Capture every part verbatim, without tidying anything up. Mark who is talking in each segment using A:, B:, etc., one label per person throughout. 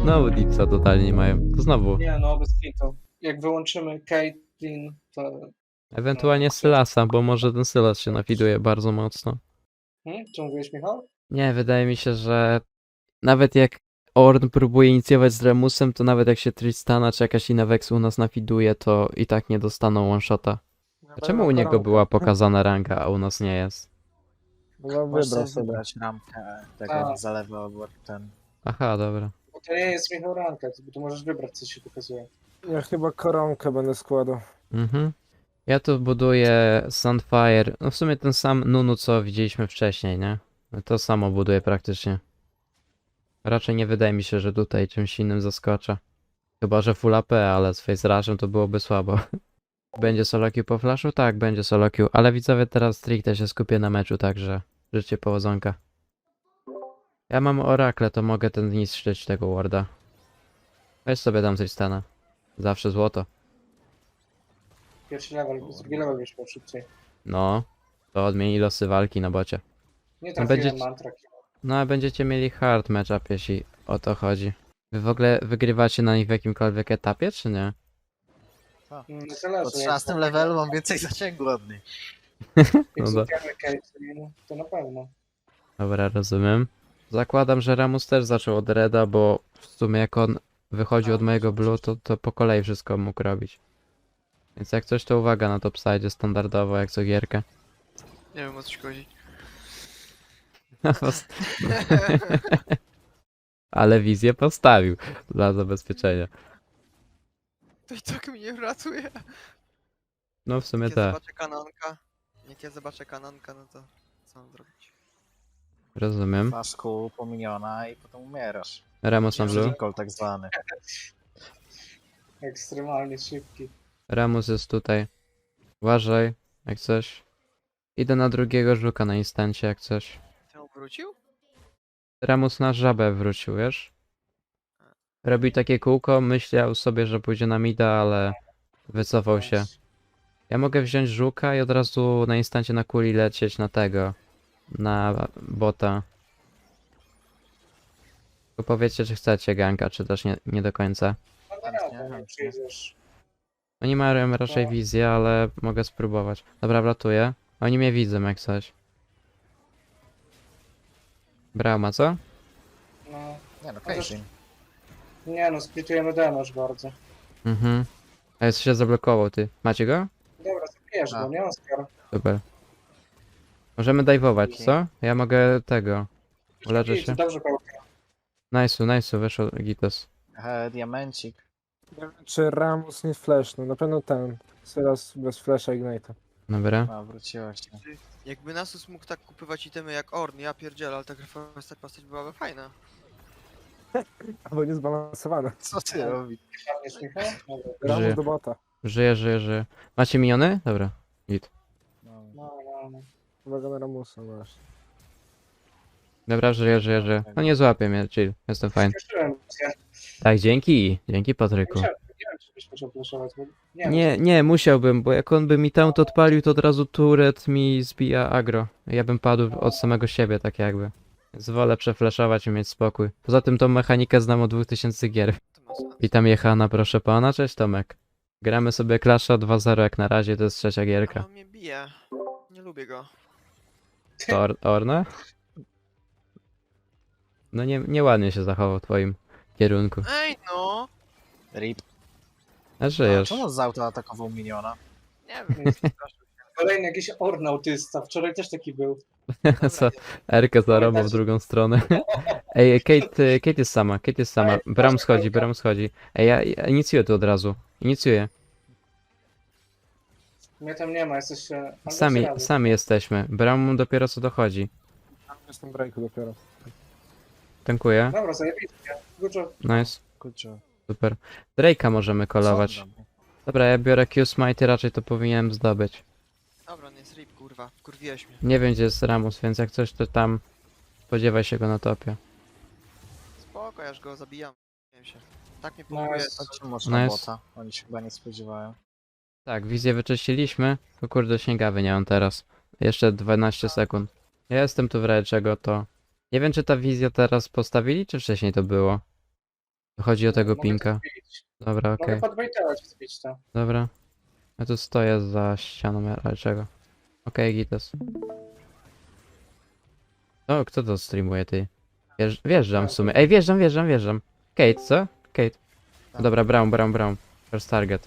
A: Znowu Dipsa totalnie nie mają. To znowu.
B: Nie no, bez kitu. Jak wyłączymy Caitlyn, to...
A: Ewentualnie Sylasa, bo może ten Sylas się nafiduje bardzo mocno.
B: Hmm? Co mówiłeś, Michał?
A: Nie, wydaje mi się, że nawet jak Ornn próbuje inicjować z Remusem, to nawet jak się Tristana czy jakaś inna Vex u nas nafiduje, to i tak nie dostaną one-shota. A czemu u niego była pokazana ranga, a u nas nie jest?
C: Bo
D: Możesz
C: wybrał
D: sobie
C: sobie.
D: wybrać ramkę tego
B: A.
D: zalewu albo ten.
A: Aha, dobra.
B: Bo to nie jest Michał ranka, bo tu możesz wybrać, co się pokazuje.
C: Ja chyba koronkę będę składał.
A: Mhm. Ja tu buduję Sunfire. No w sumie ten sam Nunu, co widzieliśmy wcześniej, nie? To samo buduję praktycznie. Raczej nie wydaje mi się, że tutaj czymś innym zaskoczę. Chyba, że full A P, ale z Face Rushem to byłoby słabo. Będzie solo queue po flashu? Tak, będzie solo queue, ale widzowie teraz stricte się skupię na meczu, także życzcie powodzonka. Ja mam Orakle, to mogę ten niszczyć tego warda. Weź sobie tam coś stana. Zawsze złoto.
B: Pierwszy level, drugi level już miał szybciej.
A: No, to odmieni losy walki na bocie.
B: Nie
A: No
B: trafiłem
A: będzie-
B: mantra.
A: No a będziecie mieli hard matchup, jeśli o to chodzi. Wy w ogóle wygrywacie na nich w jakimkolwiek etapie, czy nie?
B: Mm,
D: Po
B: Zależy.
D: trzynastym levelu mam więcej zasięgu od nich.
B: Jak
A: No do-
B: złapiemy Caitlyn, to na pewno.
A: Dobra, rozumiem. Zakładam, że Ramus też zaczął od Reda, bo w sumie jak on wychodził od mojego blue, to, to po kolei wszystko mógł robić. Więc jak coś, to uwaga na topside standardowo, jak co gierkę.
E: Nie wiem o co ci chodzi.
A: Ale wizję postawił dla zabezpieczenia.
E: To i tak mnie uratuje.
A: No w sumie
E: Jak ja
A: tak,
E: zobaczę kanonka, jak ja zobaczę kanonka, no to co mam zrobić?
A: rozumiem.
D: Faszku pominiona i potem umierasz.
A: Ramus na blue.
D: Recall tak zwany.
B: Ekstremalnie szybki.
A: Ramus jest tutaj. Uważaj, jak coś. Idę na drugiego żuka na instancie, jak coś.
E: Ty on wrócił?
A: Ramus na żabę wrócił, wiesz? Robił takie kółko, myślał sobie, że pójdzie na mida, ale wycofał się. Ja mogę wziąć żuka i od razu na instancie na kuli lecieć na tego. Na bota. Tylko powiedzcie, czy chcecie ganka, czy też nie, nie do końca.
B: No
D: Chętnie,
B: dobra, nie
D: chętnie.
B: przyjdziesz.
A: Oni mają raczej
B: No.
A: wizję, ale mogę spróbować. Dobra, wlatuję. Oni mnie widzą jak coś. Brauma, co?
B: No.
D: Nie no,
B: Chociaż-
D: Caitlyn.
B: Nie no, splitujemy damage bardzo.
A: Mhm. A jest się zablokował, ty. Macie go?
B: Dobra, zabijesz
D: A.
B: go, nie Oskar?
A: Super. Możemy dajwować, co? Ja mogę tego. Uleczę
B: Git,
A: się.
B: Dobrze, Pałka.
A: Nice'u, nice'u, wyszło Gitos.
D: E, diamencik.
C: Nie wiem, czy Ramus nie flashną. Na pewno ten. Sylas bez flasha Ignite'a.
A: Dobra.
D: A, wróciła się.
E: Jakby Nasus mógł tak kupywać itemy jak Orn, ja pierdzielę, ale ta grafista postać byłaby fajna.
C: Albo niezbalansowana.
D: Co ty robisz?
B: Padniesz, Michał? Dobra.
A: Żyję.
C: Ramus do bota.
A: Żyję, żyję, żyję. Macie miniony? Dobra. Git.
D: No.
B: No, no, no.
C: Uwaga na Ramusa właśnie.
A: Dobra, żyję, żyję, żyję. No nie złapię mnie, chill. Jestem fajny.
B: Śpieszyłem się.
A: Tak, dzięki. Dzięki
B: Nie
A: Patryku.
B: musiałem- nie wiem, czy byś musiał flashować, bo nie
A: Nie, nie, musiałbym, bo jak on by mi tam to odpalił, to od razu turret mi zbija agro. Ja bym padł od samego siebie, tak jakby. Więc wolę przeflaszować i mieć spokój. Poza tym tą mechanikę znam od dwóch tysięcy gier.
E: To ma sens.
A: Witam Jechana, proszę pana. Cześć Tomek. Gramy sobie Clasha dwa zero jak na razie, to jest trzecia
E: Ale
A: gierka.
E: on mnie bije. Nie lubię go.
A: To Or Orna? No nie, nieładnie się zachował w twoim kierunku.
E: Ej no!
D: Rip.
A: A
D: A,
A: żyjesz.
D: czemu z auta atakował miniona?
E: Nie wiem, przepraszam.
B: Kolejny jakiś ornautysta. Wczoraj też taki był.
A: Co? Erkę zarobał w drugą stronę. Ej, Kate, y, Kate jest sama, Kate jest sama. Bram schodzi, Bram schodzi. Ej, ja, ja inicjuję to od razu. Inicjuję.
B: Mnie tam nie ma, jesteście... albo
A: Sami,
B: się razy.
A: sami jesteśmy. Bram dopiero co dochodzi.
C: Tam jestem breaku dopiero.
A: Tankuję.
B: Dobra, zajebiście. Good job.
A: Nice,
D: Kurczę.
A: super. Drake'a możemy kolować.
D: Co on robi?
A: Dobra, ja biorę Q-Smite, raczej to powinienem zdobyć.
E: Dobra, nie jest rip, kurwa. Wkurwiłeś mnie.
A: Nie wiem gdzie jest Ramus, więc jak coś to tam... Spodziewaj się go na topie.
E: Spoko, ja już go zabijam. Nie się. Tak mnie
B: No,
E: pompuje.
B: jest-
D: Chodźcie może na
A: Nice.
D: bota. Oni się chyba nie spodziewają.
A: Tak, wizję wyczyściliśmy. To kurde śniegawy nie mam teraz. Jeszcze dwanaście sekund. Ja jestem tu w razie czego to... Nie wiem czy ta wizja teraz postawili, czy wcześniej to było? Chodzi o tego
B: Mogę to
A: pinka.
B: zbić.
A: Dobra, okej.
B: Mogę podbejtować i zbić to.
A: Dobra. Ja tu stoję za ścianą, ale czego? Okej, Gites. O, kto to streamuje, ty? Wjeżdż, wjeżdżam w sumie. Ej, wjeżdżam, wjeżdżam, wjeżdżam. Kate, co? Kate.
D: Tak.
A: Dobra, Brown, Brown, Brown. First target.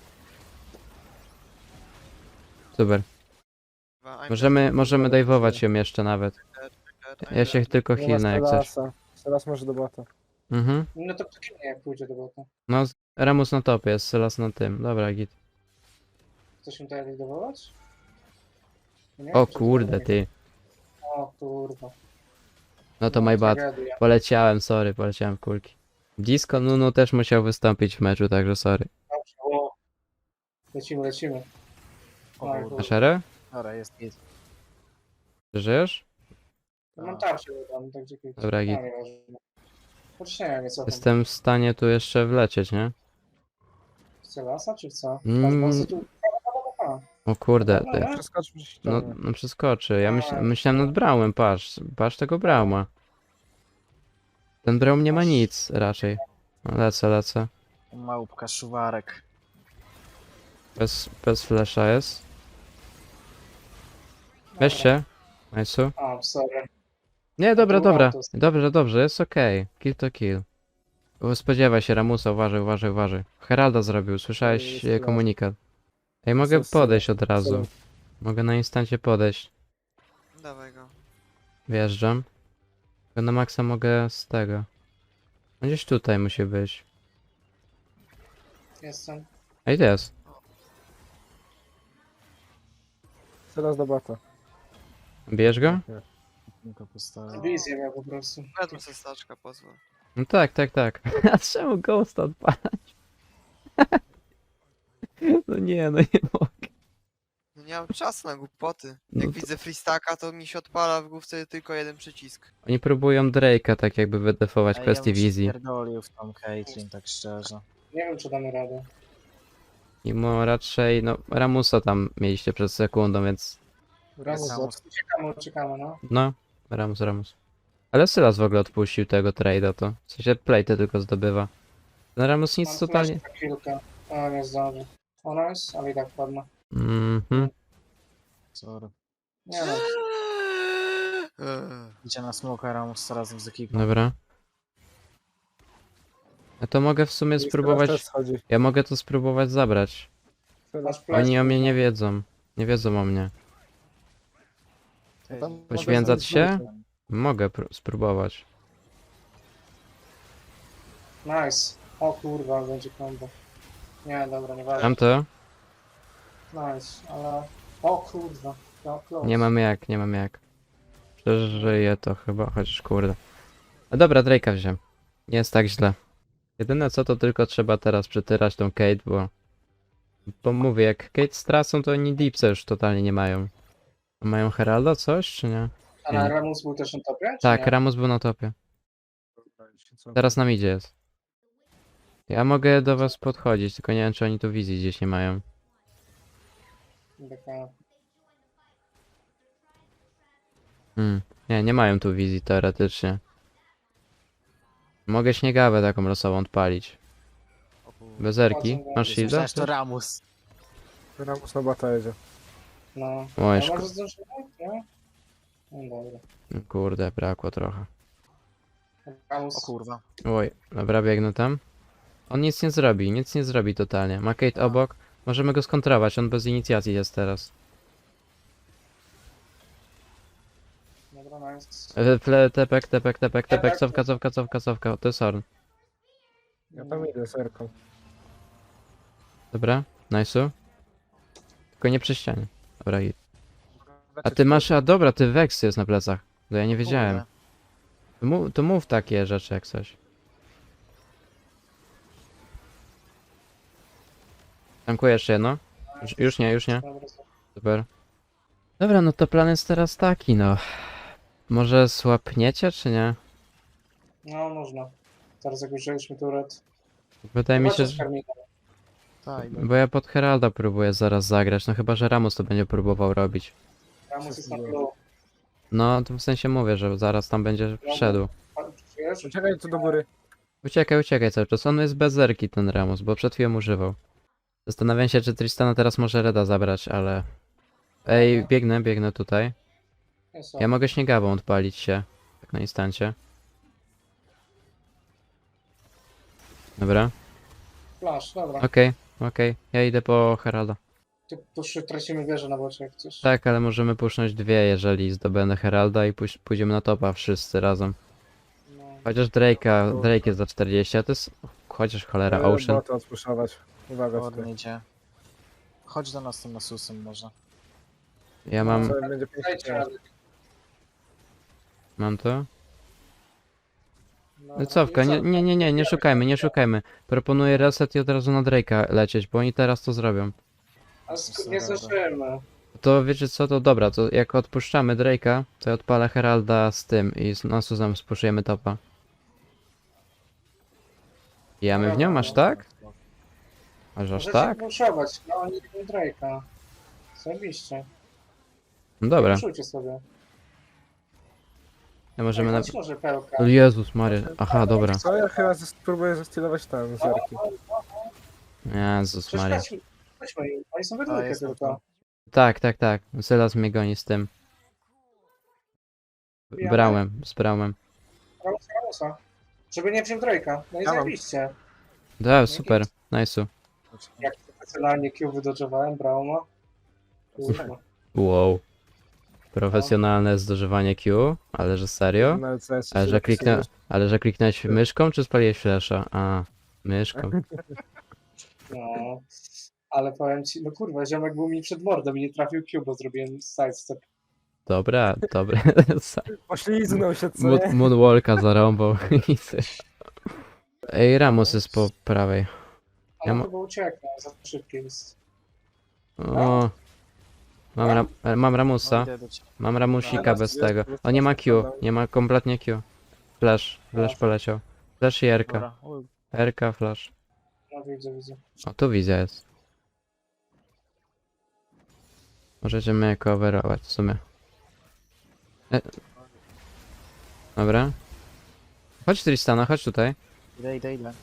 A: Super.
E: Chyba I'm
A: Możemy,
E: dead.
A: możemy dajwować ją jeszcze nawet.
E: I'm
A: Ja się
E: dead.
A: tylko
C: Nie ma
A: healnę jak coś.
C: Stelasa. Stelas może do bota.
A: Mhm.
B: No to nie jak pójdzie do bota.
A: No, z- Ramus na topie, jest Sylas na tym. Dobra, git.
B: Chcesz mi tutaj likwidować? Nie
A: O
B: wiem, czy
A: kurde,
B: to-
A: ty.
B: O kurwa.
A: No to my bad.
B: tragedia.
A: Poleciałem, sorry, poleciałem w kulki. Disco Nunu też musiał wystąpić w meczu, także sorry.
B: Dobrze, o. Lecimy, lecimy.
D: O
B: Oj,
D: kurde.
A: A szerę?
D: Dobra, jest git.
A: Żyjesz?
B: Ja mam tarczę tam, tak gdzie kiedyś.
A: Dobra, git.
B: A, nieważne. Chociaż nie wiem, co tam.
A: Jestem w stanie tu jeszcze wlecieć, nie?
B: Chce lasa, czy co?
A: Mm.
B: Mm. Tu... A,
A: O kurde,
B: Dobra,
A: ty.
B: nie?
C: Przeskoczy przez
A: No,
C: ścianę.
A: no przeskoczy. Ja myśl,
B: Tak.
A: myślałem nad Braumem, patrz. Patrz tego Brauma. Ten Braum nie ma nic raczej. No, lecę, lecę.
D: Małpka, szuwarek.
A: Bez, bez flasha jest. Weźcie. Nice'u.
B: A, sorry.
A: Nie, dobra,
B: to był
A: dobra.
B: autos.
A: Dobrze, dobrze, jest okej. Kill to kill. O, spodziewaj się Ramusa, uważaj, uważaj, uważaj. Heralda zrobił, słyszałeś
C: Jest
A: e,
C: flash.
A: komunikat. Ej, mogę
C: Jest
A: podejść
C: synek,
A: od razu.
C: synek.
A: Mogę na instancie podejść.
E: Dawaj go.
A: Wjeżdżam. Tylko na maksa mogę z tego. No gdzieś tutaj musi być.
B: Jestem.
A: Ej, to jest.
C: Stelas do bota.
A: Bijesz go?
D: Tylko postawię.
B: Wizję miał po prostu.
E: Ja tu se staczka pozwól.
A: No tak, tak, tak. A czemu Ghost odpalać? No nie, no nie mogę.
E: No nie mam czasu na głupoty.
A: No
E: Jak
A: to-
E: widzę freestaka, to mi się odpala w główce tylko jeden przycisk.
A: Oni próbują Drake'a tak jakby wydefować
D: Ej,
A: kwestii
D: ja bym się
A: wizji.
D: pierdolił w tą Caitlyn, tak szczerze.
B: Nie wiem, czy damy radę.
A: Mimo raczej, no Ramusa tam mieliście przed sekundą, więc
C: Ramus
D: Jest
C: bot.
B: Uciekamy, uciekamy, no.
A: no, Ramus, Ramus. Ale Sylas w ogóle odpuścił tego trade'a to. W sensie plate tylko zdobywa. Ten Ramus nic
B: Mam
A: totalnie...
B: flash na kilka. O, nie zdąży. Ona jest, ale i tak padła.
A: Mhm.
D: Sorry.
B: Nie no.
E: Eee.
D: Idzie na smoka Ramus razem z ekipą.
A: Dobra. Ja to mogę w sumie
C: I Stelas
A: spróbować...
C: też schodzi.
A: Ja mogę to spróbować zabrać.
C: Stelas.
B: Masz flash,
A: Oni o mnie nie
B: no.
A: wiedzą. Nie wiedzą o mnie.
D: Ty,
C: Tam mogę
A: Poświęcać
C: zrobić
A: się?
C: dwójkę.
A: Mogę pró- spróbować.
B: Nice. O kurwa, będzie combo. Nie, dobra, nie ważne.
A: Mam to?
B: Nice, ale... O kurwa. No, close.
A: Nie mam jak, nie mam jak. Przeżyję to chyba, chociaż kurde. A dobra, Drake'a wziąłem. Nie jest tak źle. Jedyne co to tylko trzeba teraz przytyrać tą Kate, bo... Bo mówię, jak Kate stracą, to oni Deepsa już totalnie nie mają. A mają Heralda coś, czy nie?
B: A na Ramus był też na topie? czy
A: Tak,
B: nie?
A: Ramus był na topie. Teraz nam idzie jest. Ja mogę do was podchodzić, tylko nie wiem, czy oni tu wizji gdzieś nie mają.
B: Taka...
A: Hmm. Nie, nie mają tu wizji teoretycznie. Mogę śniegawę taką losową odpalić.
D: O kurde.
A: Bez erki. Masz shielda?
D: Myślałem, że to Ramus.
C: Ramus na bota jedzie.
B: No.
A: Oj,
B: A
A: szko-
B: może zdążymy? Nie? No dobra.
A: Kurde, brakło trochę.
B: Ramus.
D: O kurwa.
A: Oj, dobra, biegnę tam. On nic nie zrobi, nic nie zrobi totalnie. Ma Kate obok. Możemy go skontrować, on bez inicjacji jest teraz.
B: Dobra, nice.
A: E, Ple, tepek, tepek, tepek, tepek, cofka, cofka, cofka, cofka. To jest Orn.
C: Ja tam idę z erką.
A: Dobra, nice'u. Tylko nie przy ścianie. Dobra, i... A ty masz, a dobra, ty Vex jest na plecach. To ja nie wiedziałem.
D: Kurde.
A: To mów, to mów takie rzeczy jak coś. Tankuję jeszcze jedno. Już, już nie, już nie.
B: Dobra,
A: Super. Dobra, no to plan jest teraz taki, no. Może słapniecie, czy nie?
B: no można. Teraz jak użyliśmy turet.
A: Wydaje mi się,
B: Zobaczę z
A: że...
B: karmika.
D: Tak,
A: Bo ja pod Heralda próbuję zaraz zagrać, no chyba, że Ramus to będzie próbował robić.
B: Ramus jest na blue.
A: No, to w sensie mówię, że zaraz tam będzie szedł.
B: A, Czujesz?
C: Czekaj tu do góry.
A: Uciekaj, uciekaj cały czas. On jest bez zerki ten Ramus, bo przed chwilą używał. Zastanawiam się, czy Tristana teraz może Reda zabrać, ale... Ej, biegnę, biegnę tutaj.
B: Jest
A: Ja mogę śniegawą odpalić się. Tak na instancie. Dobra.
B: Flash, dobra.
A: Okej, okej. Ja idę po Heralda.
B: Tu, tu szy- tracimy wieżę na bocie jak coś.
A: Tak, ale możemy pusznąć dwie, jeżeli zdobędę Heralda i pójś- pójdziemy na topa wszyscy razem.
B: No.
A: Chociaż Drake'a, Drake jest za czterdzieści, a to jest... Chociaż cholera,
C: E,
A: Ocean.
C: Bota odpuszczać. Uwaga
D: Orn
C: tutaj.
D: idzie. Chodź do nas tym Nasusem może.
A: Ja mam...
C: Co, będzie pięknie.
B: Dajcie radę.
A: Mam to?
B: Dobra,
A: Cofka,
B: i
A: nie,
B: co?
A: nie, nie, nie, nie szukajmy, nie szukajmy. Proponuję reset i od razu na Drake'a lecieć, bo oni teraz to zrobią.
B: A sk- nie zdążymy.
A: To wiecie co, to dobra, to jak odpuszczamy Drake'a, to ja odpalę Heralda z tym i z Nasusem spuszujemy topa. Jamy w nią, aż tak? Aż aż
B: Możecie
A: tak?
B: puszować, no oni nie Drake'a. Zajebiście.
A: No dobra,
B: Puszujcie sobie.
A: ja możemy na...
B: Ej, chodź może pełka.
A: O Jezus Maria, aha, dobra.
C: Co, ja chyba zas- spróbuję zastylować tam zerki.
A: Jezus Maria.
B: Przeszkadźmy. Chodźmy im. Oni są we
D: A,
B: dwójkę
D: jest
B: tylko.
A: Tak, tak, tak, Sylas mnie goni z tym. Brałem, z Braumem.
B: Ramusa, Ramusa. Żeby nie wziął Drake'a. No i
C: Ja mam.
B: zajebiście.
A: Da, super, nice'u.
B: Jak profesjonalnie Q wydodżowałem Brauma. Kurwa.
A: Wow. Profesjonalne zdożywanie Q, ale że serio?
C: Na L C S
A: Ale
C: się
A: że, kliknę,
C: zapisujesz.
A: ale że kliknąłeś myszką, czy spaliłeś flasha? A, myszką.
B: No. Ale powiem ci, no kurwa, ziomek był mi przed mordą i nie trafił Q, bo zrobiłem sidestep.
A: Dobra, dobra.
C: Pośliznął się, co
A: Moon-
C: nie?
A: Moonwalka zarąbał. Ej, Ramus jest po prawej.
B: Ale
A: Ja ma-
B: chyba uciekł, za szybki jest.
A: O. Mam, ra e, mam
D: No,
A: Ramusa.
D: idę do ciebie.
A: Mam Ramusika
C: Teraz
A: bez
C: jest-
A: tego.
C: jest
A: O, nie ma Q.
C: problem.
A: Nie ma kompletnie Q. Flash. Flash poleciał. Flash i R K.
D: Dobra. Uj,
A: R K, flash.
B: No widzę, widzę.
A: O, tu wizja jest. Możecie mnie coverować w sumie. E. Dobra. Chodź Tristana, chodź tutaj.
D: Idę, idę, idę.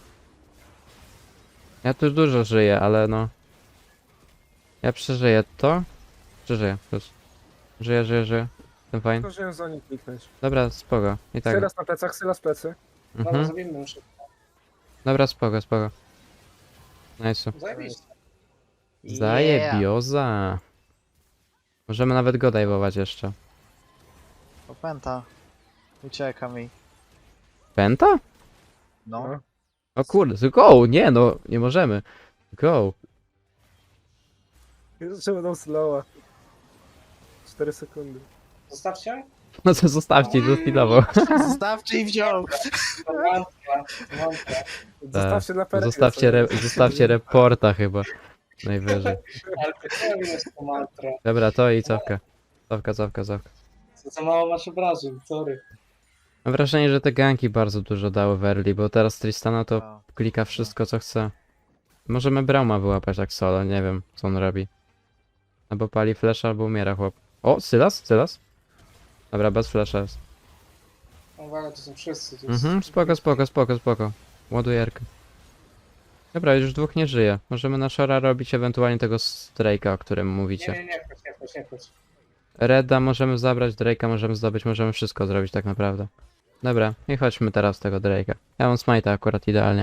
A: Ja tu dużo żyję, ale no... Ja przeżyję to. Przeżyję, plus. Żyję, żyję, żyję. Jestem fajny.
C: Zdążyłem za nim kliknąć.
A: Dobra, spoko. I tak.
C: Sylas na plecach, Sylas plecy.
B: Dobra,
A: Mhm.
B: zrobimy już.
A: Dobra, spoko, spoko. Nice.
B: Zajebiście.
A: Zajebioza. Możemy nawet go dajwować jeszcze.
D: Opęta. Ucieka mi.
A: Penta?
D: No.
C: No.
A: O kurde, go! Nie no, nie możemy. Go.
C: Jeszcze będą slowa. cztery sekundy.
B: Zostawcie.
A: No to zostawcie, to chwilowo.
D: Zostawcie i wziął.
B: To mantra, mantra.
C: Zostawcie dla Pereka.
A: Zostawcie, re zostawcie reporta chyba. Najwyżej.
B: Ale to jest to mantra.
A: Dobra, to i cofka. Cofka, cofka, cofka.
B: Co za mało masz obrażeń, sorry.
A: Mam wrażenie, że te ganki bardzo dużo dały w early, bo teraz Tristana to
D: A,
A: klika wszystko co chce. Możemy Brauma wyłapać tak solo, nie wiem co on robi. Albo pali flash, albo umiera chłop. O, Sylas? Sylas? Dobra, bez flasha jest.
B: Uwaga, to są wszyscy. To jest...
A: Mhm, spoko, spoko, spoko, spoko. Ładujerkę. Dobra, już dwóch nie żyje. Możemy na Shora robić ewentualnie tego Drake'a, o którym
B: Nie,
A: mówicie.
B: nie, nie, chodź, nie, chodź, nie, chodź.
A: Reda możemy zabrać, Drake'a możemy zdobyć, możemy wszystko zrobić tak naprawdę. Dobra, i chodźmy teraz z tego Drake'a. Ja mam smite'a akurat idealnie.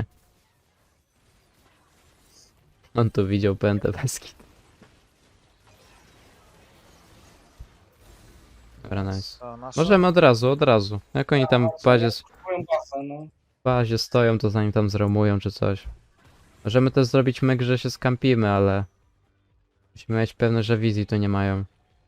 A: On tu widział pętę bez kit. Dobra, nice.
D: to nasza.
A: Możemy od razu, od razu. Jak oni tam w bazie,
B: Twoją bazę, no.
A: w bazie stoją, to zanim tam zromują czy coś. Możemy też zrobić myk, że się skampimy, ale... Musimy mieć pewność, że wizji tu nie mają.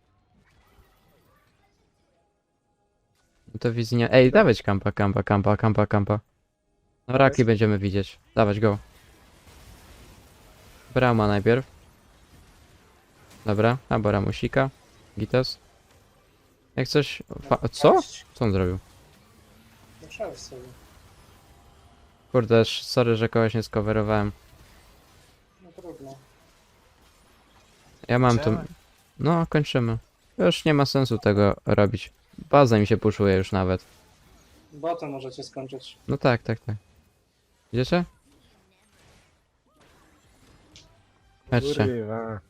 A: No to wizji nie... Ej, dawać kampa, kampa, kampa, kampa, kampa. No raki będziemy widzieć. Dawać go. Brama najpierw. Dobra, albo Ramusika. Gitas. Jak coś... Fa co? Co on zrobił?
B: No przejdź sobie.
A: Kurde, sz- sorry, że kogoś nie skowerowałem.
B: No trudno.
A: Ja mam tu...
D: Idziemy?
A: No, kończymy. Już nie ma sensu tego robić. Baza mi się puszuje już nawet.
B: Bota możecie skończyć.
A: No tak, tak, tak. Idziecie? Chodźcie.
C: Kurwa.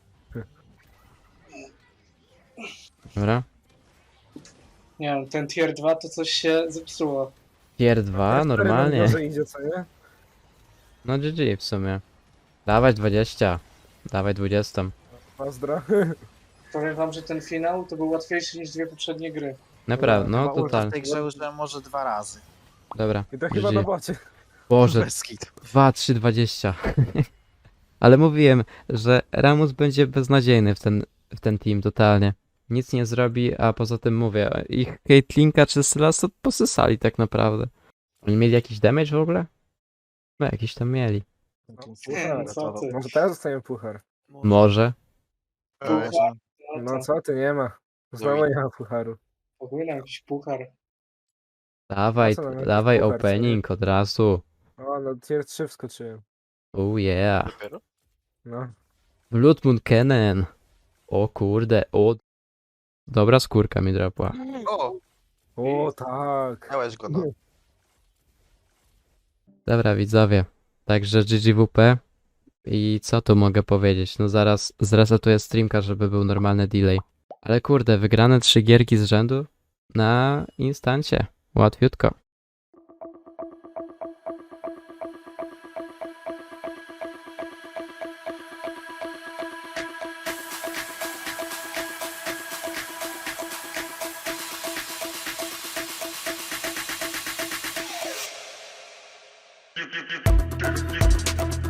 A: Dobra.
B: Nie wiem, ten tier dwa to coś się zepsuło.
A: Tier dwa, normalnie.
C: Może idzie, co nie?
A: No G G w sumie. Dawaj dwadzieścia. Dawaj dwadzieścia.
C: Pozdro.
B: Powiem wam, że ten finał to był łatwiejszy niż dwie poprzednie gry.
A: Naprawdę, no
D: Chyba ulta w
A: total.
D: tej grze użyłem może dwa razy.
A: Dobra.
C: I to chyba
A: G
C: na
A: G.
C: bocie.
A: Boże,
D: Bez kitu.
A: dwa, trzy, dwadzieścia. Ale mówiłem, że Ramus będzie beznadziejny w ten, w ten team totalnie. Nic nie zrobi, a poza tym mówię, ich Caitlynka czy Sylas to posysali tak naprawdę. Oni mieli jakiś damage w ogóle? No jakiś tam mieli.
C: Puchar.
B: Co ty?
C: Może teraz dostaniemy puchar.
A: Może.
D: Eee,
B: Puchar.
C: No
B: No to
C: co ty, nie ma. Znowu nie ma pucharu.
B: powinien jakiś puchar.
A: Dawaj,
C: Co nam jakiś
A: dawaj
C: puchar, co nie?
A: opening od razu.
C: O, no tier trzy wskoczyłem.
A: Oh yeah.
D: Dopiero?
C: No.
A: Blood Moon Cannon. O kurde, o. Dobra skórka mi drapła.
D: O,
C: O, tak.
D: miałeś go no.
A: Dobra widzowie, także G G W P i co tu mogę powiedzieć, no zaraz zresetuję streamka, żeby był normalny delay. Ale kurde, wygrane trzy gierki z rzędu na instancie, łatwiutko.
F: Thank you.